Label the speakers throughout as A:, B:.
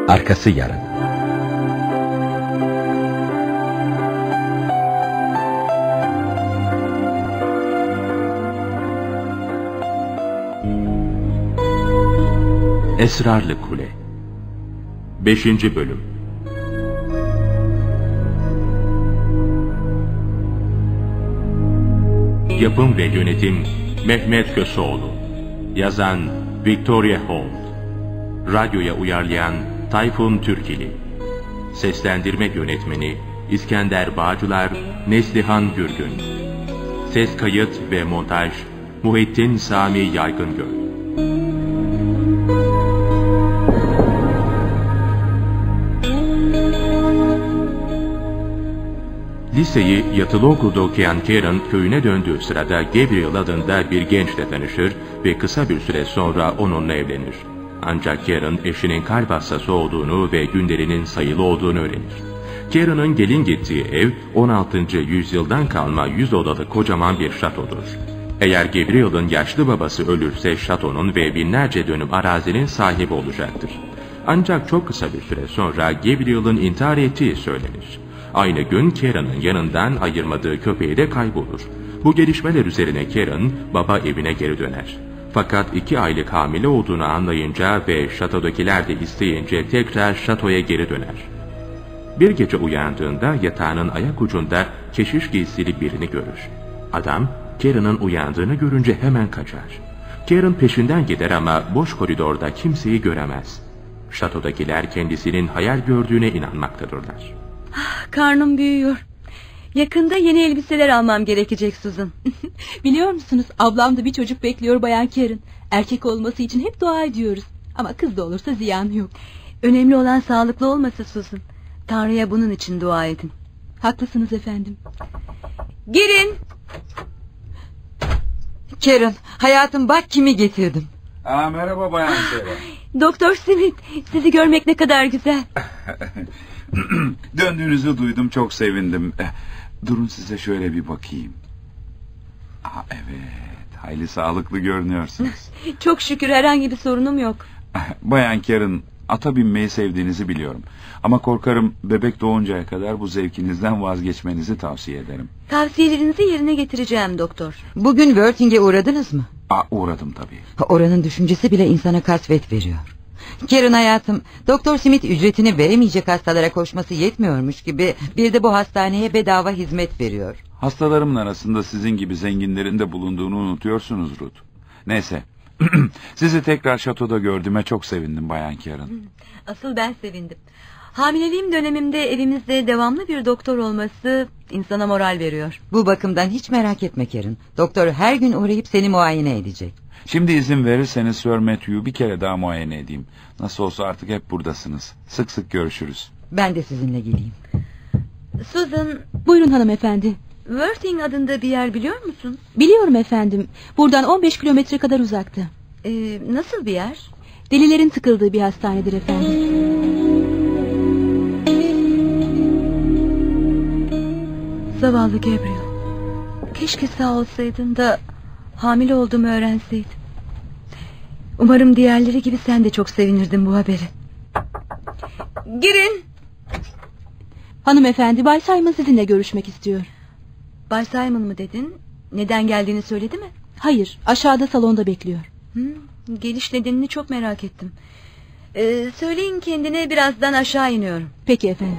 A: Arkası yarın. Esrarlı Kule 5. Bölüm. Yapım ve yönetim Mehmet Köseoğlu. Yazan Victoria Holt. Radyoya uyarlayan Tayfun Türkili. Seslendirme yönetmeni İskender Bağcılar, Neslihan Gürgün. Ses kayıt ve montaj Muhittin Sami Yaygıngöl. Liseyi yatılı okulda okuyan Karen köyüne döndüğü sırada Gabriel adında bir gençle tanışır ve kısa bir süre sonra onunla evlenir. Ancak Karen eşinin kalp hastası olduğunu ve günlerinin sayılı olduğunu öğrenir. Karen'ın gelin gittiği ev 16. yüzyıldan kalma 100 odalı kocaman bir şatodur. Eğer Gabriel'ın yaşlı babası ölürse şatonun ve binlerce dönüm arazinin sahibi olacaktır. Ancak çok kısa bir süre sonra Gabriel'ın intihar ettiği söylenir. Aynı gün Karen'ın yanından ayırmadığı köpeği de kaybolur. Bu gelişmeler üzerine Karen baba evine geri döner. Fakat 2 aylık hamile olduğunu anlayınca ve şatodakiler de isteyince tekrar şatoya geri döner. Bir gece uyandığında yatağının ayak ucunda keşiş giysili birini görür. Adam Karen'ın uyandığını görünce hemen kaçar. Karen peşinden gider ama boş koridorda kimseyi göremez. Şatodakiler kendisinin hayal gördüğüne inanmaktadırlar.
B: Karnım büyüyor. Yakında yeni elbiseler almam gerekecek Susan.
C: Biliyor musunuz, ablam da bir çocuk bekliyor Bayan Karen. Erkek olması için hep dua ediyoruz. Ama kız da olursa ziyanı yok.
B: Önemli olan sağlıklı olması Susan. Tanrı'ya bunun için dua edin.
C: Haklısınız efendim.
B: Girin.
D: Karen, hayatım bak kimi getirdim.
E: Merhaba Bayan Karen.
B: Doktor Smith, sizi görmek ne kadar güzel.
E: Döndüğünüzü duydum, çok sevindim. Durun size şöyle bir bakayım. Evet, hayli sağlıklı görünüyorsunuz.
B: Çok şükür herhangi bir sorunum yok.
E: Bayan Karen, ata binmeyi sevdiğinizi biliyorum. Ama korkarım bebek doğuncaya kadar bu zevkinizden vazgeçmenizi tavsiye ederim.
B: Tavsiyelerinizi yerine getireceğim doktor.
D: Bugün Worthing'e uğradınız mı?
E: Uğradım tabii.
D: Oranın düşüncesi bile insana kasvet veriyor. Karen hayatım, Doktor Smith ücretini veremeyecek hastalara koşması yetmiyormuş gibi bir de bu hastaneye bedava hizmet veriyor.
E: Hastalarımın arasında sizin gibi zenginlerin de bulunduğunu unutuyorsunuz Ruth. Neyse, sizi tekrar şatoda gördüğüme çok sevindim Bayan Karen.
B: Asıl ben sevindim. Hamileliğim dönemimde evimizde devamlı bir doktor olması insana moral veriyor.
D: Bu bakımdan hiç merak etme Karen. Doktor her gün uğrayıp seni muayene edecek.
E: Şimdi izin verirseniz Sir Matthew'yu bir kere daha muayene edeyim. Nasıl olsa artık hep buradasınız. Sık sık görüşürüz.
D: Ben de sizinle geleyim.
B: Susan,
C: buyurun hanımefendi.
B: Worthing adında bir yer biliyor musun?
C: Biliyorum efendim. Buradan 15 kilometre kadar uzakta.
B: Nasıl bir yer?
C: Delilerin tıkıldığı bir hastanedir efendim.
B: Zavallı Gabriel. Keşke sağ olsaydın da hamile olduğumu öğrenseydin. Umarım diğerleri gibi sen de çok sevinirdin bu haberi. Girin.
C: Hanımefendi, Bay Simon sizinle görüşmek istiyor.
B: Bay Simon mı dedin? Neden geldiğini söyledi mi?
C: Hayır, aşağıda salonda bekliyor.
B: Geliş nedenini çok merak ettim. Söyleyin kendine, birazdan aşağı iniyorum.
C: Peki efendim.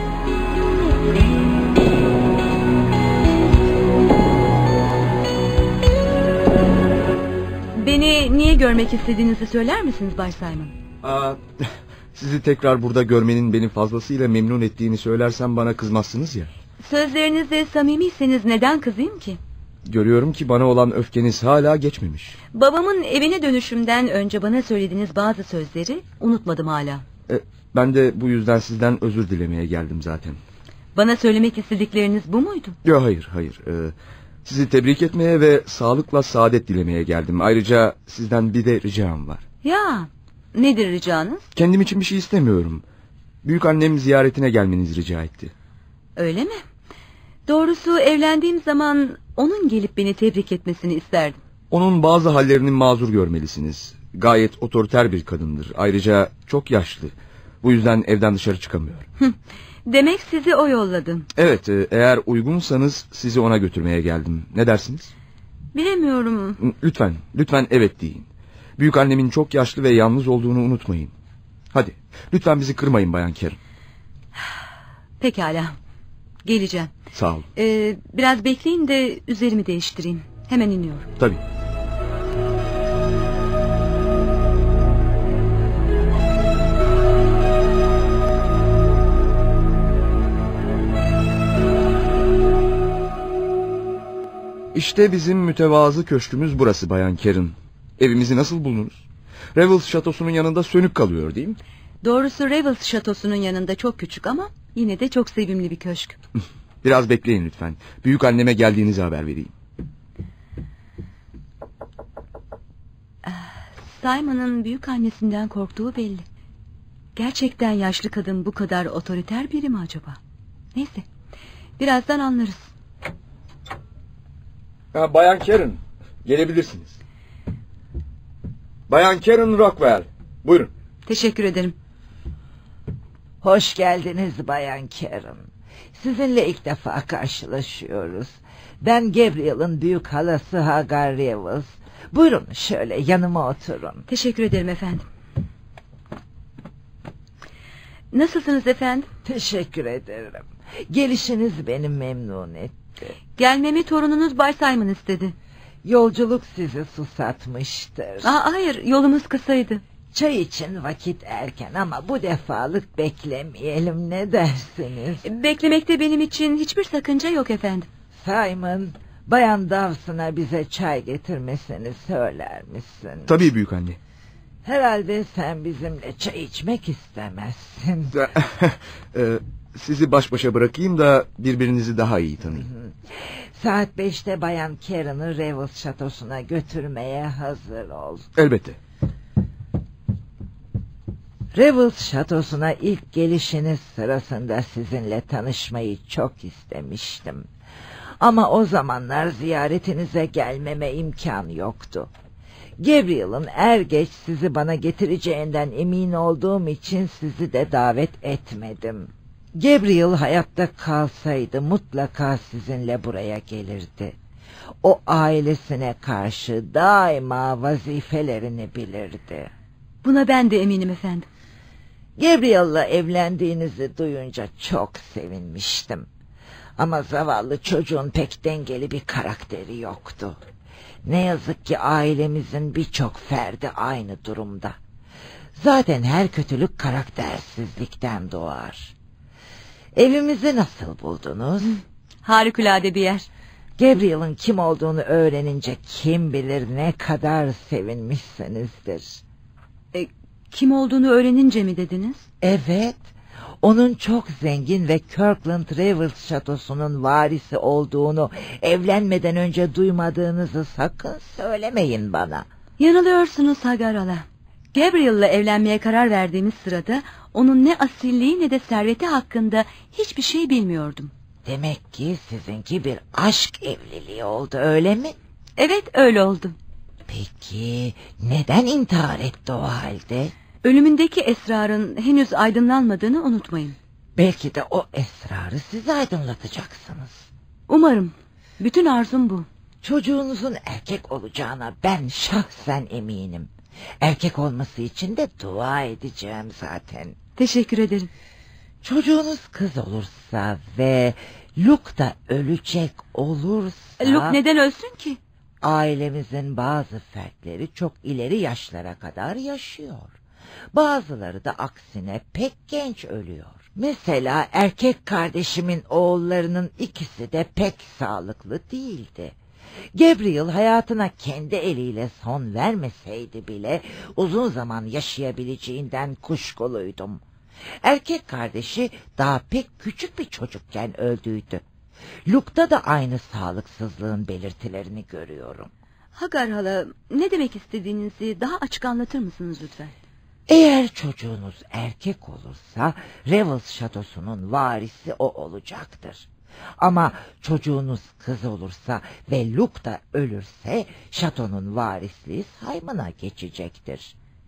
B: Beni niye görmek istediğinizi söyler misiniz Bay Simon?
F: Sizi tekrar burada görmenin beni fazlasıyla memnun ettiğini söylersem bana kızmazsınız ya.
B: Sözlerinizle samimiyseniz neden kızayım ki?
F: Görüyorum ki bana olan öfkeniz hala geçmemiş.
B: Babamın evine dönüşümden önce bana söylediğiniz bazı sözleri unutmadım hala.
F: Ben de bu yüzden sizden özür dilemeye geldim zaten.
B: Bana söylemek istedikleriniz bu muydu?
F: Yok, hayır. Sizi tebrik etmeye ve sağlıkla saadet dilemeye geldim. Ayrıca sizden bir de ricam var.
B: Ya, nedir ricanız?
F: Kendim için bir şey istemiyorum. Büyükannem ziyaretine gelmenizi rica etti.
B: Öyle mi? Doğrusu evlendiğim zaman onun gelip beni tebrik etmesini isterdim.
F: Onun bazı hallerini mazur görmelisiniz. Gayet otoriter bir kadındır. Ayrıca çok yaşlı. Bu yüzden evden dışarı çıkamıyorum.
B: Demek sizi o yolladı.
F: Evet, eğer uygunsanız sizi ona götürmeye geldim. Ne dersiniz?
B: Bilemiyorum.
F: Lütfen evet deyin. Büyük annemin çok yaşlı ve yalnız olduğunu unutmayın. Hadi, lütfen bizi kırmayın Bayan Karen.
B: Pekala. Geleceğim.
F: Sağ olun.
B: Biraz bekleyin de üzerimi değiştireyim. Hemen iniyorum.
F: Tabii. İşte bizim mütevazı köşkümüz burası Bayan Karen. Evimizi nasıl buldunuz? Revels şatosunun yanında sönük kalıyor değil mi?
B: Doğrusu Revels şatosunun yanında çok küçük ama yine de çok sevimli bir köşk.
F: Biraz bekleyin lütfen. Büyük anneme geldiğinizi haber vereyim.
B: Simon'ın büyük annesinden korktuğu belli. Gerçekten yaşlı kadın bu kadar otoriter biri mi acaba? Neyse, birazdan anlarız.
F: Bayan Karen, gelebilirsiniz. Bayan Karen Rockwell, buyurun.
B: Teşekkür ederim.
G: Hoş geldiniz Bayan Karen. Sizinle ilk defa karşılaşıyoruz. Ben Gabriel'ın büyük halası Hagar Revels. Buyurun şöyle yanıma oturun.
B: Teşekkür ederim efendim. Nasılsınız efendim?
G: Teşekkür ederim. Gelişiniz beni memnun etti.
B: Gelmemi torununuz Bay Simon istedi.
G: Yolculuk sizi susatmıştır.
B: Hayır, yolumuz kısaydı.
G: Çay için vakit erken ama bu defalık beklemeyelim, ne dersiniz?
B: Beklemekte benim için hiçbir sakınca yok efendim.
G: Simon, Bayan Dawson'a bize çay getirmesini söyler misin?
F: Tabii büyük anne.
G: Herhalde sen bizimle çay içmek istemezsin.
F: Sizi baş başa bırakayım da birbirinizi daha iyi tanıyın.
G: Saat 5'te Bayan Karen'ı Revels şatosuna götürmeye hazır ol.
F: Elbette.
G: Revels şatosuna ilk gelişiniz sırasında sizinle tanışmayı çok istemiştim. Ama o zamanlar ziyaretinize gelmeme imkan yoktu. Gabriel'ın er geç sizi bana getireceğinden emin olduğum için sizi de davet etmedim. Gabriel hayatta kalsaydı mutlaka sizinle buraya gelirdi. O ailesine karşı daima vazifelerini bilirdi.
B: Buna ben de eminim efendim.
G: Gabriel'la evlendiğinizi duyunca çok sevinmiştim. Ama zavallı çocuğun pek dengeli bir karakteri yoktu. Ne yazık ki ailemizin birçok ferdi aynı durumda. Zaten her kötülük karaktersizlikten doğar. Evimizi nasıl buldunuz?
B: Harikulade bir yer.
G: Gabriel'ın kim olduğunu öğrenince kim bilir ne kadar sevinmişsinizdir.
B: Kim olduğunu öğrenince mi dediniz?
G: Evet, onun çok zengin ve Kirkland Revels şatosunun varisi olduğunu evlenmeden önce duymadığınızı sakın söylemeyin bana.
B: Yanılıyorsunuz Hagar hala. Gabriel'la evlenmeye karar verdiğimiz sırada onun ne asilliği ne de serveti hakkında hiçbir şey bilmiyordum.
G: Demek ki sizinki bir aşk evliliği oldu, öyle mi?
B: Evet, öyle oldu.
G: Peki neden intihar etti o halde?
B: Ölümündeki esrarın henüz aydınlanmadığını unutmayın.
G: Belki de o esrarı siz aydınlatacaksınız.
B: Umarım. Bütün arzum bu.
G: Çocuğunuzun erkek olacağına ben şahsen eminim. Erkek olması için de dua edeceğim zaten.
B: Teşekkür ederim.
G: Çocuğunuz kız olursa ve Luke da ölecek olursa...
B: Luke neden ölsün ki?
G: Ailemizin bazı fertleri çok ileri yaşlara kadar yaşıyor. Bazıları da aksine pek genç ölüyor. Mesela erkek kardeşimin oğullarının ikisi de pek sağlıklı değildi. Gabriel hayatına kendi eliyle son vermeseydi bile uzun zaman yaşayabileceğinden kuşkuluydum. Erkek kardeşi daha pek küçük bir çocukken öldüydü. Luke'da da aynı sağlıksızlığın belirtilerini görüyorum.
B: Hagar hala, ne demek istediğinizi daha açık anlatır mısınız lütfen?
G: Eğer çocuğunuz erkek olursa Revels şatosunun varisi o olacaktır. Ama çocuğunuz kız olursa ve Luke da ölürse şatonun varisliği Simon'a geçecektir.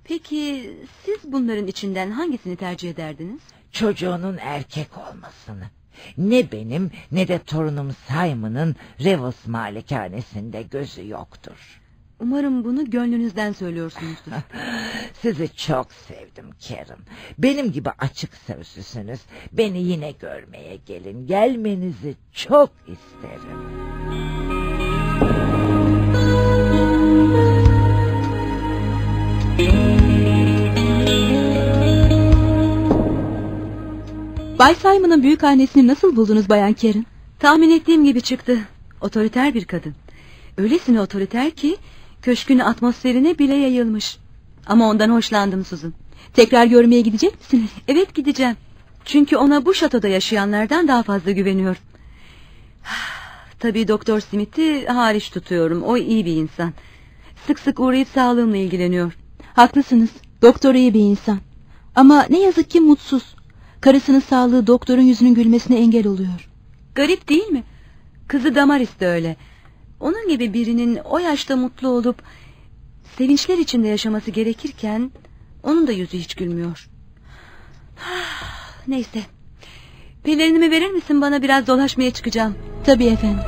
B: Peki siz bunların içinden hangisini tercih ederdiniz?
G: Çocuğunun erkek olmasını. Ne benim ne de torunum Simon'ın Revels malikanesinde gözü yoktur.
B: Umarım bunu gönlünüzden söylüyorsunuzdur.
G: Sizi çok sevdim Karen. Benim gibi açık sözlüsünüz. Beni yine görmeye gelin. Gelmenizi çok isterim.
C: Bay Simon'ın büyükannesini nasıl buldunuz Bayan Karen?
B: Tahmin ettiğim gibi çıktı. Otoriter bir kadın. Öylesine otoriter ki köşkün atmosferine bile yayılmış. Ama ondan hoşlandım Susan.
C: Tekrar görmeye gidecek misiniz?
B: Evet, gideceğim. Çünkü ona bu şatoda yaşayanlardan daha fazla güveniyorum. Tabii Doktor Smith'i hariç tutuyorum. O iyi bir insan. Sık sık uğrayıp sağlığımla ilgileniyor.
C: Haklısınız. Doktor iyi bir insan. Ama ne yazık ki mutsuz. Karısının sağlığı doktorun yüzünün gülmesine engel oluyor.
B: Garip değil mi? Kızı Damaris de öyle. Onun gibi birinin o yaşta mutlu olup sevinçler içinde yaşaması gerekirken onun da yüzü hiç gülmüyor. Neyse. Pelerinimi verir misin, bana biraz dolaşmaya çıkacağım.
C: Tabii efendim.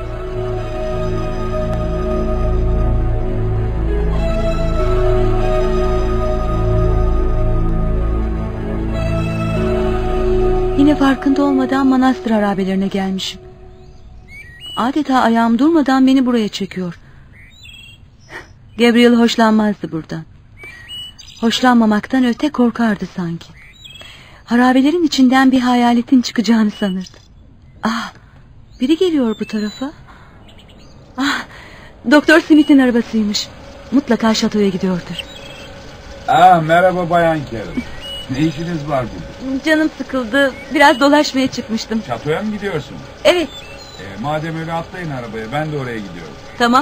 B: Yine farkında olmadan manastır harabelerine gelmişim. Adeta ayağım durmadan beni buraya çekiyor. Gabriel hoşlanmazdı buradan. Hoşlanmamaktan öte korkardı sanki. Harabelerin içinden bir hayaletin çıkacağını sanırdı. Ah, biri geliyor bu tarafa. Ah, Doktor Smith'in arabasıymış. Mutlaka şatoya gidiyordur.
E: Merhaba Bayan Karen. Ne işiniz var burada?
B: Canım sıkıldı. Biraz dolaşmaya çıkmıştım.
E: Şatoya mı gidiyorsunuz?
B: Evet.
E: Madem öyle atlayın arabaya, ben de oraya gidiyorum.
B: Tamam.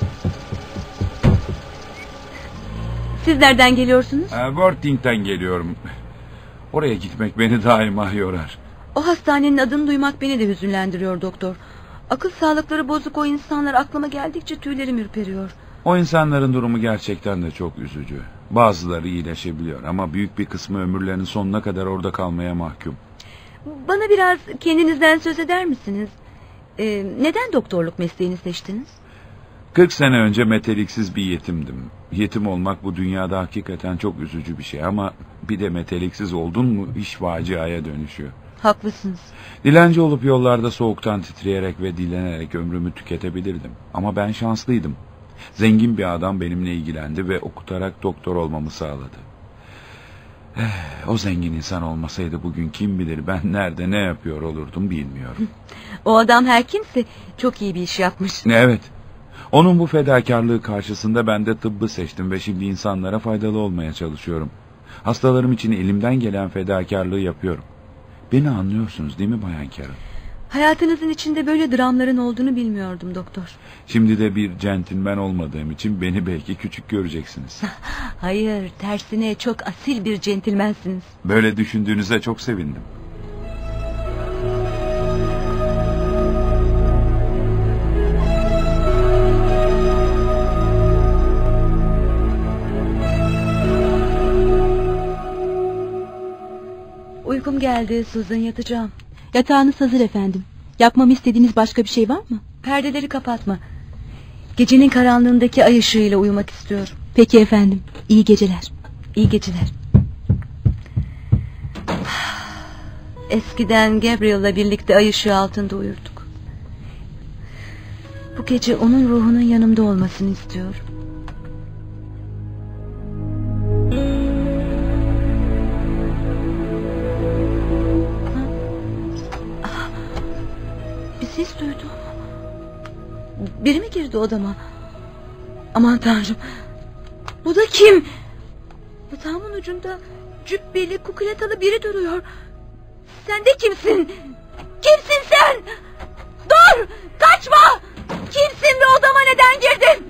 B: Siz nereden geliyorsunuz?
E: Worthing'den geliyorum. Oraya gitmek beni daima yorar.
B: O hastanenin adını duymak beni de hüzünlendiriyor doktor. Akıl sağlıkları bozuk o insanlar aklıma geldikçe tüylerim ürperiyor.
E: O insanların durumu gerçekten de çok üzücü. Bazıları iyileşebiliyor ama büyük bir kısmı ömürlerinin sonuna kadar orada kalmaya mahkum.
B: Bana biraz kendinizden söz eder misiniz? Neden doktorluk mesleğini seçtiniz?
E: 40 sene önce meteliksiz bir yetimdim. Yetim olmak bu dünyada hakikaten çok üzücü bir şey ama bir de meteliksiz oldun mu iş faciaya dönüşüyor.
B: Haklısınız.
E: Dilenci olup yollarda soğuktan titreyerek ve dilenerek ömrümü tüketebilirdim. Ama ben şanslıydım. Zengin bir adam benimle ilgilendi ve okutarak doktor olmamı sağladı. O zengin insan olmasaydı bugün kim bilir ben nerede ne yapıyor olurdum bilmiyorum.
B: O adam her kimse çok iyi bir iş yapmış.
E: Evet. Onun bu fedakarlığı karşısında ben de tıbbı seçtim ve şimdi insanlara faydalı olmaya çalışıyorum. Hastalarım için elimden gelen fedakarlığı yapıyorum. Beni anlıyorsunuz değil mi Bayan Karen?
B: Hayatınızın içinde böyle dramların olduğunu bilmiyordum doktor.
E: Şimdi de bir centilmen olmadığım için beni belki küçük göreceksiniz.
B: Hayır, tersine çok asil bir centilmensiniz.
E: Böyle düşündüğünüze çok sevindim.
B: Uykum geldi Susan, yatacağım.
C: Yatağınız hazır efendim. Yapmamı istediğiniz başka bir şey var mı?
B: Perdeleri kapatma. Gecenin karanlığındaki ay ışığıyla uyumak istiyorum.
C: Peki efendim. İyi geceler.
B: İyi geceler. Eskiden Gabriel'la birlikte ay ışığı altında uyurduk. Bu gece onun ruhunun yanımda olmasını istiyorum. Bir ses duydum. Biri mi girdi odama? Aman tanrım. Bu da kim? Yatağımın ucunda cübbeli, kukuletalı biri duruyor. Sen de kimsin? Kimsin sen? Dur! Kaçma! Kimsin ve odama neden girdin?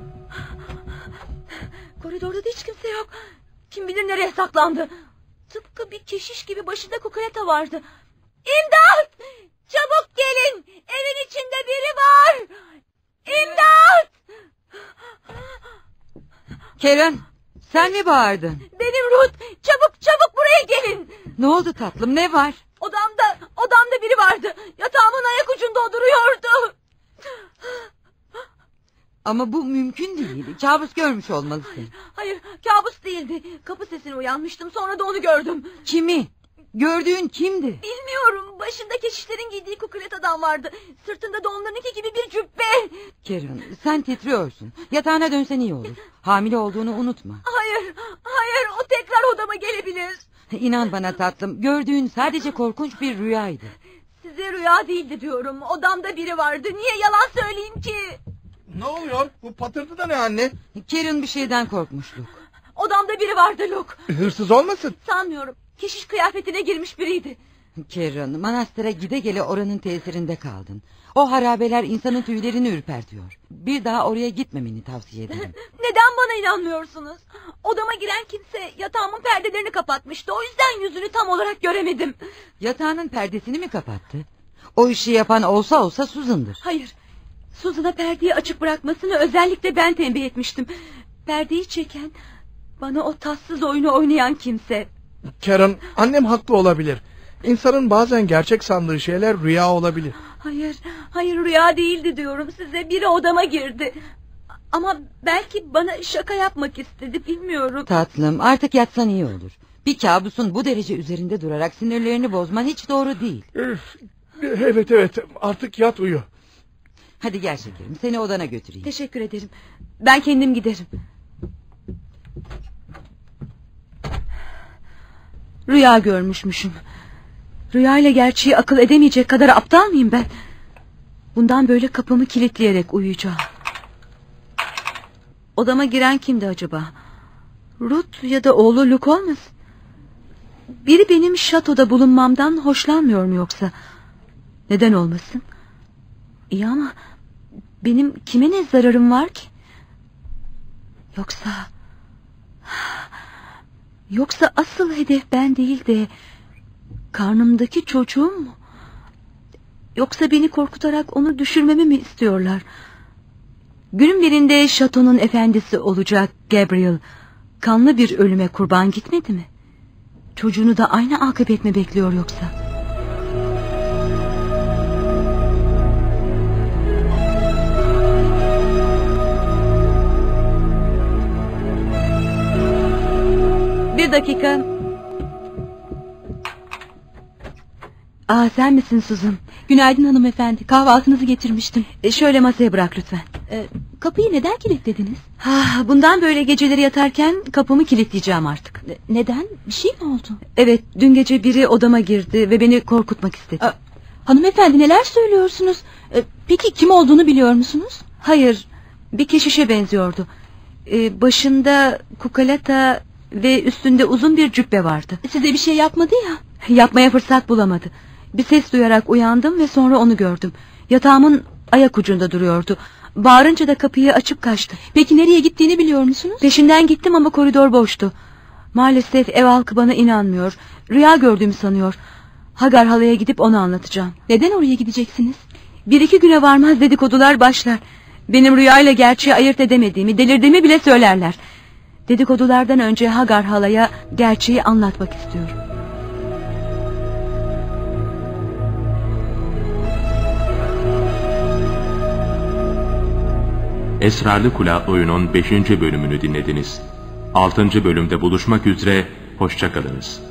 B: Koridorda da hiç kimse yok. Kim bilir nereye saklandı. Tıpkı bir keşiş gibi başında kukuleta vardı. İmdat! Çabuk gelin! Evin içinde biri var! İmdat!
D: Karen, Sen mi bağırdın?
B: Benim Ruth. Çabuk buraya gelin.
D: Ne oldu tatlım, ne var?
B: Odamda biri vardı. Yatağımın ayak ucunda o duruyordu.
D: Ama bu mümkün değil. Kabus görmüş olmalısın.
B: Hayır, kabus değildi. Kapı sesine uyanmıştım, sonra da onu gördüm.
D: Kimi? Gördüğün kimdi?
B: Bilmiyorum, başında keşişlerin giydiği kukulet adam vardı. Sırtında da onlarınki gibi bir cübbe.
D: Karen, sen titriyorsun. Yatağına dönsen iyi olur. Hamile olduğunu unutma.
B: Hayır, o tekrar odama gelebilir.
D: İnan bana tatlım, gördüğün sadece korkunç bir rüyaydı.
B: Size rüya değildi diyorum. Odamda biri vardı. Niye yalan söyleyeyim ki?
F: Ne oluyor? Bu patırtı da ne anne?
D: Karen bir şeyden korkmuştuk.
B: Odamda biri vardı Luke.
F: Hırsız olmasın?
B: Sanmıyorum. Keşiş kıyafetine girmiş biriydi.
D: Karen, manastıra gide gele oranın tesirinde kaldın. O harabeler insanın tüylerini ürpertiyor. Bir daha oraya gitmemeni tavsiye ederim.
B: Neden bana inanmıyorsunuz? Odama giren kimse yatağımın perdelerini kapatmıştı. O yüzden yüzünü tam olarak göremedim.
D: Yatağının perdesini mi kapattı? O işi yapan olsa Susan'dır.
B: Hayır. Susan'a perdeyi açık bırakmasını özellikle ben tembih etmiştim. Perdeyi çeken, bana o tatsız oyunu oynayan kimse.
H: Karen, annem haklı olabilir. İnsanın bazen gerçek sandığı şeyler rüya olabilir.
B: Hayır rüya değildi diyorum size. Biri odama girdi. Ama belki bana şaka yapmak istedi, bilmiyorum.
D: Tatlım, artık yatsan iyi olur. Bir kabusun bu derece üzerinde durarak sinirlerini bozman hiç doğru değil.
H: Evet, artık yat uyu.
D: Hadi gel şekerim, seni odana götüreyim.
B: Teşekkür ederim. Ben kendim giderim. Rüya görmüşmüşüm. Rüya ile gerçeği akıl edemeyecek kadar aptal mıyım ben? Bundan böyle kapımı kilitleyerek uyuyacağım. Odama giren kimdi acaba? Ruth ya da oğlu Luke olmasın? Biri benim şatoda bulunmamdan hoşlanmıyor mu yoksa? Neden olmasın? İyi ama benim kime ne zararım var ki? Yoksa asıl hedef ben değil de karnımdaki çocuğum mu? Yoksa beni korkutarak onu düşürmemi mi istiyorlar? Günün birinde şatonun efendisi olacak Gabriel kanlı bir ölüme kurban gitmedi mi? Çocuğunu da aynı akıbet mi bekliyor yoksa? Bir dakika. Sen misin Susan?
C: Günaydın hanımefendi, kahvaltınızı getirmiştim.
B: Şöyle masaya bırak lütfen.
C: Kapıyı neden kilitlediniz?
B: Bundan böyle geceleri yatarken kapımı kilitleyeceğim artık.
C: Neden? Bir şey mi oldu?
B: Evet, dün gece biri odama girdi ve beni korkutmak istedi.
C: Hanımefendi, neler söylüyorsunuz? Peki kim olduğunu biliyor musunuz?
B: Hayır, bir keşişe benziyordu. Başında kukalata ve üstünde uzun bir cübbe vardı.
C: Size bir şey yapmadı ya.
B: Yapmaya fırsat bulamadı. Bir ses duyarak uyandım ve sonra onu gördüm. Yatağımın ayak ucunda duruyordu. Bağırınca da kapıyı açıp kaçtı.
C: Peki nereye gittiğini biliyor musunuz?
B: Peşinden gittim ama koridor boştu. Maalesef ev halkı bana inanmıyor. Rüya gördüğümü sanıyor. Hagar halaya gidip onu anlatacağım.
C: Neden oraya gideceksiniz?
B: 1-2 güne varmaz dedikodular başlar. Benim rüyayla gerçeği ayırt edemediğimi, delirdiğimi bile söylerler. Dedikodulardan önce Hagar halaya gerçeği anlatmak istiyorum.
A: Esrarlı Kula oyunun 5. bölümünü dinlediniz. 6. bölümde buluşmak üzere, hoşça kalınız.